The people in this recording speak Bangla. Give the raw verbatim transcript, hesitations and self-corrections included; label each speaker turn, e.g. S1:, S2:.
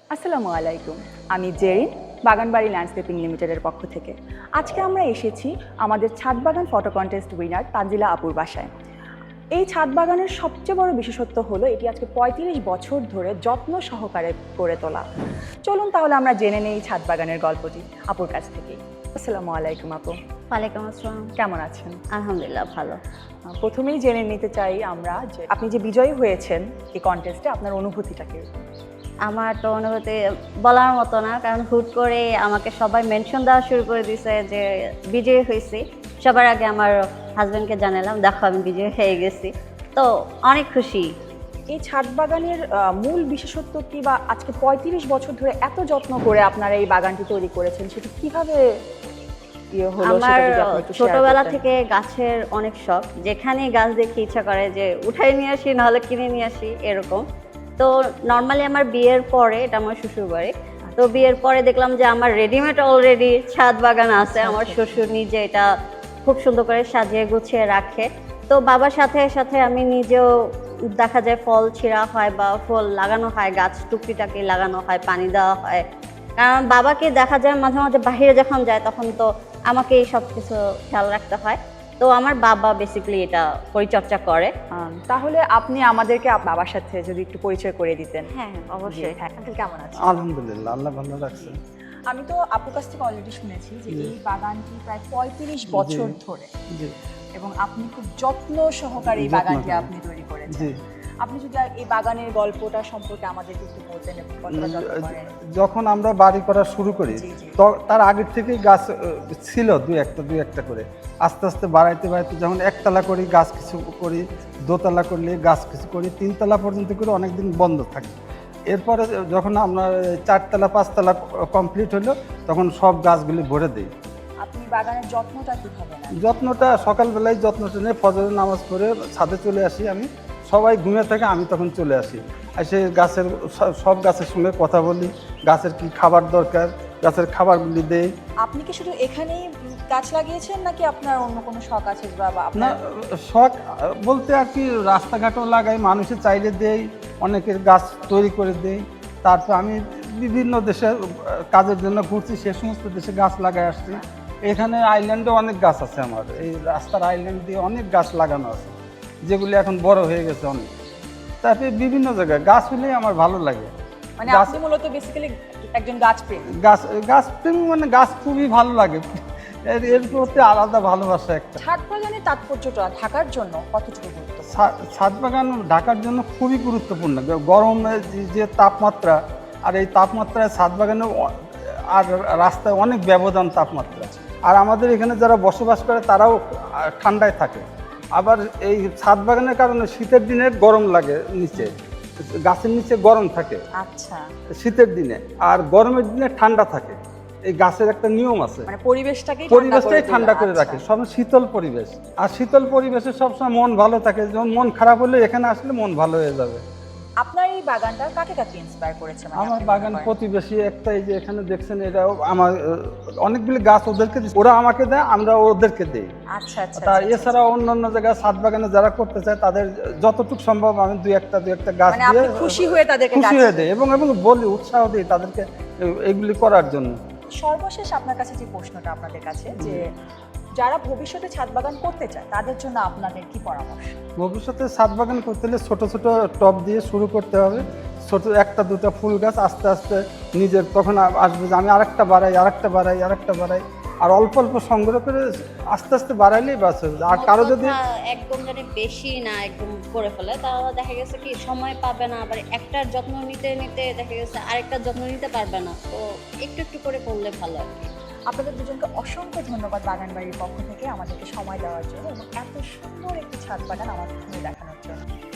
S1: আসসালামু আলাইকুম, আমি জেরিন, বাগানবাড়ি ল্যান্ডস্কেপিং লিমিটেডের পক্ষ থেকে। আজকে আমরা এসেছি আমাদের ছাদ বাগান ফটো কন্টেস্ট উইনার তানজিলা আপুর বাসায়। এই ছাদ বাগানের সবচেয়ে বড় বিশেষত্ব হলো এটি আজকে পঁয়ত্রিশ বছর ধরে যত্ন সহকারে করে তোলা। চলুন তাহলে আমরা জেনে নেই ছাদ বাগানের গল্পটি আপুর কাছ থেকেই। আসসালামু আলাইকুম আপু।
S2: ওয়ালাইকুম আসসালাম।
S1: কেমন আছেন?
S2: আলহামদুলিল্লাহ ভালো।
S1: প্রথমেই জেনে নিতে চাই আমরা যে আপনি যে বিজয়ী হয়েছেন এই কন্টেস্টে, আপনার অনুভূতিটা কীরকম?
S2: আমার তো অনুভূতি বলার মতো না, কারণ হুট করে আমাকে সবাই মেনশন দেওয়া শুরু করে দিয়েছে যে বিজয়ী হয়েছি। সবার আগে আমার হাজব্যান্ডকে জানালাম, দেখো আমি বিজয়ী হয়ে গেছি, তো অনেক খুশি।
S1: এই ছাদ বাগানের মূল বিশেষত্ব কি, বা আজকে পঁয়ত্রিশ বছর ধরে এত যত্ন করে আপনারা এই বাগানটি তৈরি করেছেন, সেটা কিভাবে ইয়ে হলো?
S2: আমার ছোটবেলা থেকে গাছের অনেক শখ, যেখানে গাছ দেখে ইচ্ছা করে যে উঠাই নিয়ে আসি, নাহলে কিনে নিয়ে আসি এরকম। তো নর্মালি আমার বিয়ের পরে, এটা আমার শ্বশুর বাড়ি, তো বিয়ের পরে দেখলাম যে আমার রেডিমেড অলরেডি ছাদ বাগান আছে। আমার শ্বশুর নিজে এটা খুব সুন্দর করে সাজিয়ে গুছিয়ে রাখে। তো বাবার সাথে সাথে আমি নিজেও দেখা যায় ফল ছিঁড়া হয় বা ফল লাগানো হয়, গাছ টুকরিটাকে লাগানো হয়, পানি দেওয়া হয়। কারণ বাবাকে দেখা যায় মাঝে মাঝে বাহিরে যখন যায় তখন তো আমাকে এই সব কিছু খেয়াল রাখতে হয়। তো আমার বাবা বেসিক্যালি এটা পরিচর্যা করে।
S1: তাহলে আপনি আমাদেরকে বাবার সাথে যদি একটু পরিচয় করে দিতেন।
S2: হ্যাঁ অবশ্যই।
S1: হ্যাঁ, কেমন আছেন?
S3: আলহামদুলিল্লাহ, আল্লাহ ভালো রাখছে।
S1: আমি তো আপুর কাছ থেকে অলরেডি শুনেছি যে এই বাগানটি প্রায় পঁয়ত্রিশ বছর ধরে, এবং আপনি খুব যত্ন সহকারে এই বাগানটি আপনি তৈরি করেছেন। আপনি যদি এই বাগানের গল্পটা সম্পর্কে আমাদেরকে একটু বলতেন।
S3: যখন আমরা বাড়ি করা শুরু করি তার আগের থেকেই গাছ ছিল দুই একটা দুই একটা করে, আস্তে আস্তে বাড়াইতে বাড়াইতে যখন একতলা করি গাছ কিছু করি, দোতলা করলে গাছ কিছু করি, তিনতলা পর্যন্ত করে অনেকদিন বন্ধ থাকে। এরপরে যখন আমরা চারতলা পাঁচতলা কমপ্লিট হলো তখন সব গাছগুলি ভরে দিই।
S1: আপনি বাগানের যত্নটা কিভাবে নেন?
S3: যত্নটা সকালবেলায় যত্নটা নিয়ে ফজরের নামাজ পড়ে ছাদে চলে আসি আমি, সবাই ঘুমিয়ে থাকে, আমি তখন চলে আসি, এসে গাছের সব গাছের সঙ্গে কথা বলি, গাছের কি খাবার দরকার, গাছের খাবারগুলি দেই।
S1: আপনি কি শুধু এখানেই গাছ লাগিয়েছেন নাকি আপনার অন্য কোনো শখ আছে?
S3: না, শখ বলতে আর কি রাস্তাঘাটও লাগাই, মানুষের চাইলে দেই, অনেকের গাছ তৈরি করে দেই। তারপর আমি বিভিন্ন দেশে কাজের জন্য ঘুরছি, সে সমস্ত দেশে গাছ লাগাই আসছি। এখানে আইল্যান্ডে অনেক গাছ আছে, আমার এই রাস্তার আইল্যান্ড দিয়ে অনেক গাছ লাগানো আছে, যেগুলি এখন বড় হয়ে গেছে অনেক। তারপরে বিভিন্ন জায়গায় গাছ হলেই আমার ভালো লাগে।
S1: মানে আপনি মূলত বেসিক্যালি একজন গাছ প্রেমী।
S3: গাছ গাছ প্রেমী মানে গাছ খুবই ভালো লাগে, এর এর প্রতি আলাদা ভালোবাসা একটা।
S1: ছাদ বাগানের তাৎপর্যটা ঢাকার জন্য কতটুকু গুরুত্বপূর্ণ?
S3: ছাদ বাগান ঢাকার জন্য খুবই গুরুত্বপূর্ণ। গরমের যে তাপমাত্রা, আর এই তাপমাত্রায় ছাদ বাগানে আর রাস্তায় অনেক ব্যবধান তাপমাত্রা। আর আমাদের এখানে যারা বসবাস করে তারাও ঠান্ডায় থাকে। আবার এই ছাদ বাগানের কারণে শীতের দিনে গরম লাগে, নিচে গাছের নিচে গরম থাকে
S1: আচ্ছা
S3: শীতের দিনে, আর গরমের দিনে ঠান্ডা থাকে। এই গাছের একটা নিয়ম আছে,
S1: মানে পরিবেশটাকে
S3: পরিবেশটাই ঠান্ডা করে রাখে, সব শীতল পরিবেশ। আর শীতল পরিবেশে সবসময় মন ভালো থাকে, যেমন মন খারাপ হলে এখানে আসলে মন ভালো হয়ে যাবে।
S1: আপনার এই বাগানটা কাকে কাকে ইন্সপায়ার করেছে?
S3: আমার বাগান প্রতিবেশী একটা, এই যে এখানে দেখছেন, এরাও আমার অনেকগুলি গাছ ওদেরকে, ওরা আমাকে দেয়, আমরা ওদেরকে দেই।
S1: আচ্ছা আচ্ছা।
S3: তা এছাড়া অন্যান্য জায়গায় ছাদ বাগানে যারা করতে চায় তাদের যতটুকু সম্ভব আমি দুই একটা দুই একটা গাছ দিয়ে
S1: খুশি হয়ে তাদেরকে
S3: খুশি হয়ে দেয়, এবং এবং বলি, উৎসাহ দিই তাদেরকে এগুলি করার জন্য।
S1: সর্বশেষ আপনার কাছে যে প্রশ্নটা আপনাদের কাছে, যে যারা ভবিষ্যতে ছাদ বাগান করতে চায় তাদের জন্য আপনাদের কি পরামর্শ?
S3: ভবিষ্যতে ছাদ বাগান করতে হলে ছোট ছোট টব দিয়ে শুরু করতে হবে, ছোট একটা দুটা ফুল গাছ, আস্তে আস্তে নিজের তখন আসবে যে আমি আরেকটা বাড়াই আরেকটা বাড়াই আরেকটা বাড়াই, আর অল্প অল্প সংগ্রহ করে আস্তে আস্তে বাড়াইলেই বাস। আর কারো যদি
S2: একদম জানি বেশি না একদম করে ফেলে, তাহলে দেখা গেছে কি সময় পাবে না, আবার একটার যত্ন নিতে নিতে দেখা গেছে আরেকটার যত্ন নিতে পারবে না। তো একটু একটু করে করলে ভালো আর কি।
S1: আপনাদের দুজনকে অসংখ্য ধন্যবাদ বাগান বাড়ির পক্ষ থেকে আমাদেরকে সময় দেওয়ার জন্য এবং এত সুন্দর একটি ছাদ বাগান আমার দেখানোর জন্য।